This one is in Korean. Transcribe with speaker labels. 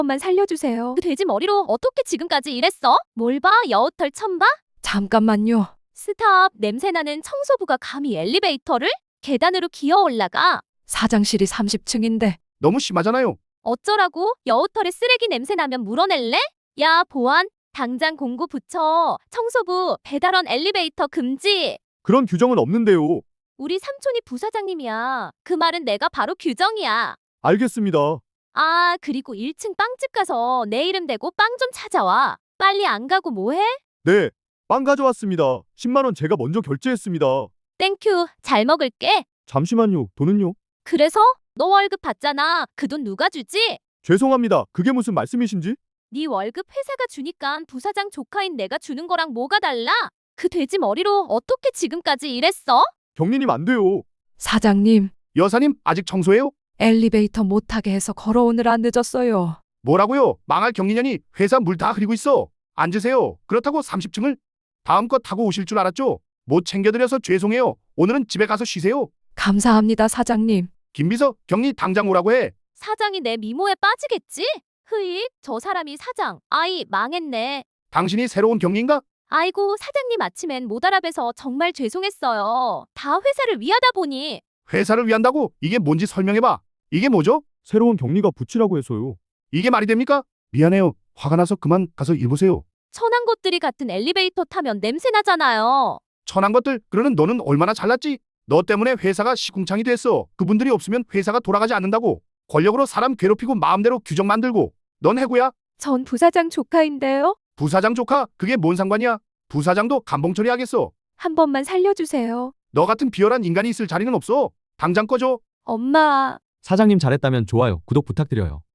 Speaker 1: 번만 살려주세요.
Speaker 2: 그 돼지 머리로 어떻게 지금까지 일했어? 뭘 봐? 여우털 처음 봐?
Speaker 1: 잠깐만요.
Speaker 2: 스탑. 냄새나는 청소부가 감히 엘리베이터를? 계단으로 기어 올라가.
Speaker 1: 사장실이 30층인데
Speaker 3: 너무 심하잖아요.
Speaker 2: 어쩌라고? 여우털에 쓰레기 냄새 나면 물어낼래? 야, 보안. 당장 공고 붙여. 청소부, 배달원 엘리베이터 금지.
Speaker 3: 그런 규정은 없는데요.
Speaker 2: 우리 삼촌이 부사장님이야. 그 말은 내가 바로 규정이야.
Speaker 3: 알겠습니다.
Speaker 2: 아, 그리고 1층 빵집 가서 내 이름 대고 빵 좀 찾아와. 빨리 안 가고 뭐해?
Speaker 3: 네, 빵 가져왔습니다. 10만 원 제가 먼저 결제했습니다.
Speaker 2: 땡큐. 잘 먹을게.
Speaker 3: 잠시만요. 돈은요?
Speaker 2: 그래서? 너 월급 받잖아. 그 돈 누가 주지?
Speaker 3: 죄송합니다. 그게 무슨 말씀이신지?
Speaker 2: 네 월급 회사가 주니까 부사장 조카인 내가 주는 거랑 뭐가 달라? 그 돼지 머리로 어떻게 지금까지 일했어?
Speaker 3: 경리님 안 돼요.
Speaker 1: 사장님
Speaker 3: 여사님 아직 청소해요?
Speaker 1: 엘리베이터 못 타게 해서 걸어오느라 늦었어요.
Speaker 3: 뭐라고요? 망할 경리년이 회사 물 다 흐리고 있어. 앉으세요. 그렇다고 30층을 다음 거 타고 오실 줄 알았죠? 못 챙겨드려서 죄송해요. 오늘은 집에 가서 쉬세요.
Speaker 1: 감사합니다 사장님.
Speaker 3: 김비서 경리 당장 오라고 해.
Speaker 2: 사장이 내 미모에 빠지겠지? 흐익, 저 사람이 사장. 아이, 망했네.
Speaker 3: 당신이 새로운 경리인가?
Speaker 2: 아이고, 사장님 아침엔 못 알아뵈서 정말 죄송했어요. 다 회사를 위하다 보니.
Speaker 3: 회사를 위한다고? 이게 뭔지 설명해봐. 이게 뭐죠? 새로운 경리가 붙이라고 해서요. 이게 말이 됩니까? 미안해요. 화가 나서 그만 가서 일 보세요.
Speaker 2: 천한 것들이 같은 엘리베이터 타면 냄새 나잖아요.
Speaker 3: 천한 것들. 그러는 너는 얼마나 잘났지? 너 때문에 회사가 시궁창이 됐어. 그분들이 없으면 회사가 돌아가지 않는다고. 권력으로 사람 괴롭히고 마음대로 규정 만들고. 넌 해고야?
Speaker 1: 전 부사장 조카인데요.
Speaker 3: 부사장 조카? 그게 뭔 상관이야? 부사장도 감봉 처리하겠어.
Speaker 1: 한 번만 살려주세요.
Speaker 3: 너 같은 비열한 인간이 있을 자리는 없어. 당장 꺼져.
Speaker 1: 엄마.
Speaker 4: 사장님 잘했다면 좋아요, 구독 부탁드려요.